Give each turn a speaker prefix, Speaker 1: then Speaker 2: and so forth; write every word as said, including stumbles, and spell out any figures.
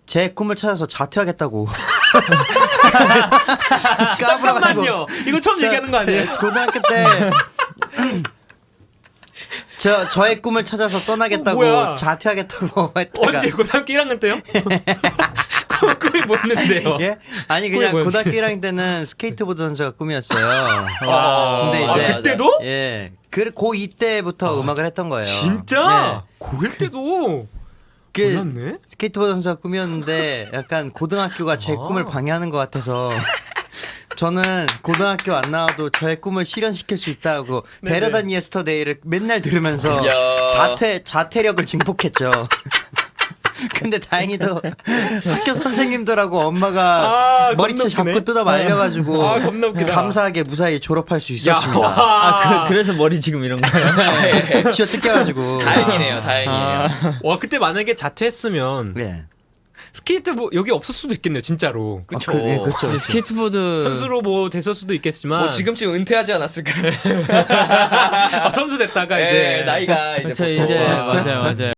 Speaker 1: 제 꿈을 찾아서 자퇴하겠다고 까불어가지고.
Speaker 2: 잠깐만요. 이거 처음
Speaker 1: 저-
Speaker 2: 얘기하는 거 아니에요?
Speaker 1: 고등학교 때 저 저의 꿈을 찾아서 떠나겠다고
Speaker 2: 뭐야?
Speaker 1: 자퇴하겠다고 했다가
Speaker 2: 언제 고등학교 일 학년 때요? 그 꿈이 뭐였는데요?
Speaker 1: 예? 아니 그냥
Speaker 2: 뭐였는데?
Speaker 1: 고등학교 일 학년 때는 스케이트보드 선수가 꿈이었어요.
Speaker 3: 아,
Speaker 1: 근데
Speaker 2: 아,
Speaker 1: 이제
Speaker 2: 그때도?
Speaker 1: 예. 그 고이 때부터 음악을 했던 거예요.
Speaker 2: 진짜?
Speaker 1: 네.
Speaker 2: 고일 때도
Speaker 1: 그
Speaker 2: 몰랐네.
Speaker 1: 스케이트보드 선수가 꿈이었는데 약간 고등학교가 제
Speaker 2: 아.
Speaker 1: 꿈을 방해하는 것 같아서 저는 고등학교 안 나와도 저의 꿈을 실현시킬 수 있다고
Speaker 2: 네네.
Speaker 1: 베러단 예스터데이를 맨날 들으면서
Speaker 3: 야.
Speaker 1: 자퇴 자퇴력을 증폭했죠. 근데 다행히도 학교 선생님들하고 엄마가
Speaker 2: 아,
Speaker 1: 머리채
Speaker 2: 겁나 웃기네.
Speaker 1: 잡고 뜯어 말려가지고
Speaker 2: 아, 겁나 웃기다.
Speaker 1: 감사하게 무사히 졸업할 수
Speaker 2: 야,
Speaker 1: 있었습니다.
Speaker 2: 와.
Speaker 4: 아, 그, 그래서 머리 지금 이런 거예요?
Speaker 1: 쥐어 뜯겨가지고.
Speaker 3: 다행이네요, 다행이에요.
Speaker 2: 와, 그때 만약에 자퇴했으면
Speaker 1: 네.
Speaker 2: 스케이트 뭐 여기 없을 수도 있겠네요, 진짜로.
Speaker 3: 그쵸.
Speaker 1: 아, 그, 네, 그쵸.
Speaker 4: 근데 스케이트보드
Speaker 2: 선수로 뭐 됐을 수도 있겠지만
Speaker 3: 뭐 지금쯤 은퇴하지 않았을까요?
Speaker 2: 아, 선수 됐다가
Speaker 3: 예,
Speaker 2: 이제
Speaker 3: 나이가 이제
Speaker 4: 저
Speaker 3: 보통
Speaker 4: 이제 맞아요, 맞아요.